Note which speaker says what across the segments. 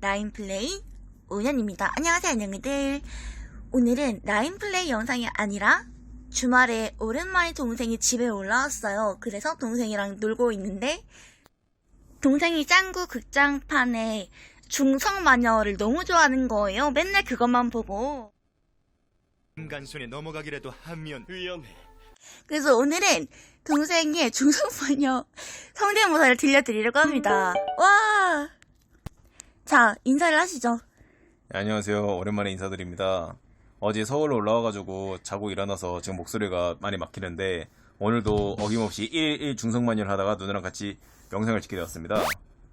Speaker 1: 라인플레이 5년입니다. 안녕하세요, 안녕이들. 오늘은 라인플레이 영상이 아니라 주말에 오랜만에 동생이 집에 올라왔어요. 그래서 동생이랑 놀고 있는데 동생이 짱구 극장판에 중성마녀를 너무 좋아하는 거예요. 맨날 그것만 보고.
Speaker 2: 인간 손에 넘어가기라도 하면 위험해.
Speaker 1: 그래서 오늘은 동생의 중성마녀 성대모사를 들려드리려고 합니다. 와! 자, 인사를 하시죠.
Speaker 3: 네, 안녕하세요. 오랜만에 인사드립니다. 어제 서울로 올라와가지고 자고 일어나서 지금 목소리가 많이 막히는데 오늘도 어김없이 1일 중성마녀를 하다가 누나랑 같이 영상을 찍게 되었습니다.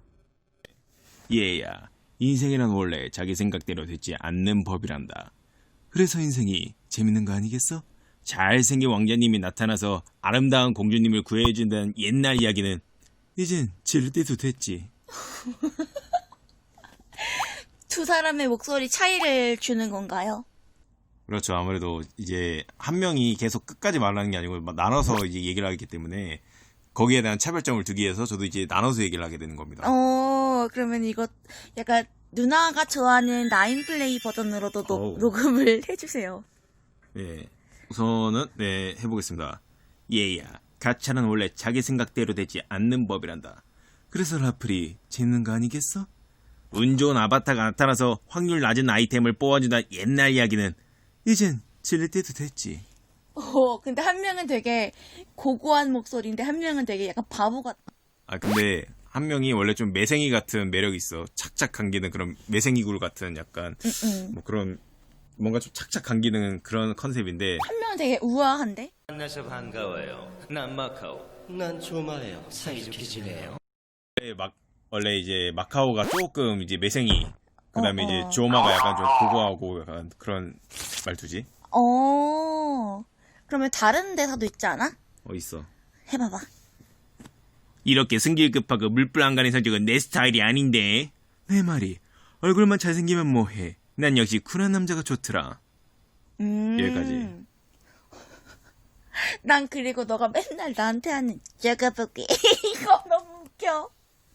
Speaker 3: 얘야, 인생이란 원래 자기 생각대로 되지 않는 법이란다. 그래서 인생이 재밌는 거 아니겠어? 잘생긴 왕자님이 나타나서 아름다운 공주님을 구해준다는 옛날 이야기는 이젠 지를 때도 됐지.
Speaker 1: 두 사람의 목소리 차이를 주는 건가요?
Speaker 3: 그렇죠. 아무래도 이제 한 명이 계속 끝까지 말하는 게 아니고 나눠서 이제 얘기를 하기 때문에 거기에 대한 차별점을 두기 위해서 저도 이제 나눠서 얘기를 하게 되는 겁니다.
Speaker 1: 그러면 이거 약간 누나가 좋아하는 라인플레이 버전으로도
Speaker 3: 어우.
Speaker 1: 녹음을 해주세요.
Speaker 3: 네. 우선은 해보겠습니다. 얘야, 가차는 원래 자기 생각대로 되지 않는 법이란다. 그래서 라플이 재밌는 거 아니겠어? 운 좋은 아바타가 나타나서 확률 낮은 아이템을 뽑아준다 옛날 이야기는 이젠 질릴 때도 됐지.
Speaker 1: 근데 한 명은 되게 고고한 목소리인데 한 명은 되게 약간 바보 같아.
Speaker 3: 아 근데 한 명이 원래 좀 매생이 같은 매력이 있어. 착착 감기는 그런 매생이 굴 같은 약간 뭐 그런 뭔가 좀 착착 감기는 그런 컨셉인데
Speaker 1: 한 명은 되게 우아한데?
Speaker 2: 만나서 반가워요. 난 마카오. 난 조마예요. 사이좋게 지내요.
Speaker 3: 원래 이제 마카오가 조금 이제 매생이 그다음에
Speaker 1: 어.
Speaker 3: 이제 조마가 약간 좀 고고하고 약간 그런 말투지.
Speaker 1: 그러면 다른 대사도 있지 않아?
Speaker 3: 있어.
Speaker 1: 해봐봐.
Speaker 3: 이렇게 승질급하고 물불안간의 성격은 내 스타일이 아닌데. 내 말이 얼굴만 잘생기면 뭐해. 난 역시 쿨한 남자가 좋더라. 여기까지.
Speaker 1: 난 그리고 너가 맨날 나한테 하는 적어보기 이거 너무 웃겨.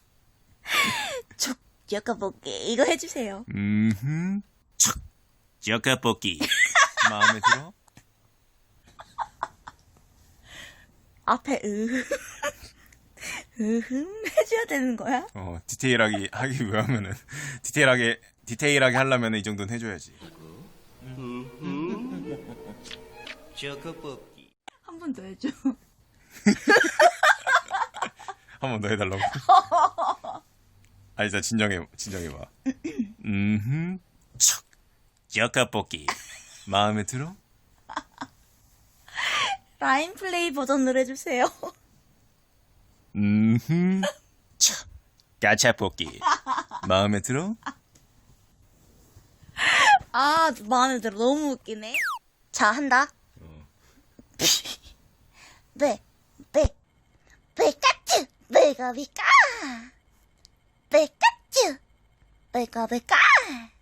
Speaker 1: 적어보기 이거 해주세요.
Speaker 3: 척 쩌까뽑기 마음에 들어?
Speaker 1: 앞에 해줘야 되는 거야?
Speaker 3: 디테일하게 하기 위하면은 디테일하게 하려면 이 정도는 해줘야지.
Speaker 2: 저거뽑기.
Speaker 1: 한 번 더 해줘.
Speaker 3: 한 번 더 해달라고. 진짜 진정해봐. 척 쩌까뽑기 마음에 들어?
Speaker 1: 라인 플레이 버전으로 해주세요.
Speaker 3: 척 까차뽑기 마음에 들어?
Speaker 1: 마음에 들어. 너무 웃기네. 자, 한다. 베까쭈 베가비까 베까쭈 베가베까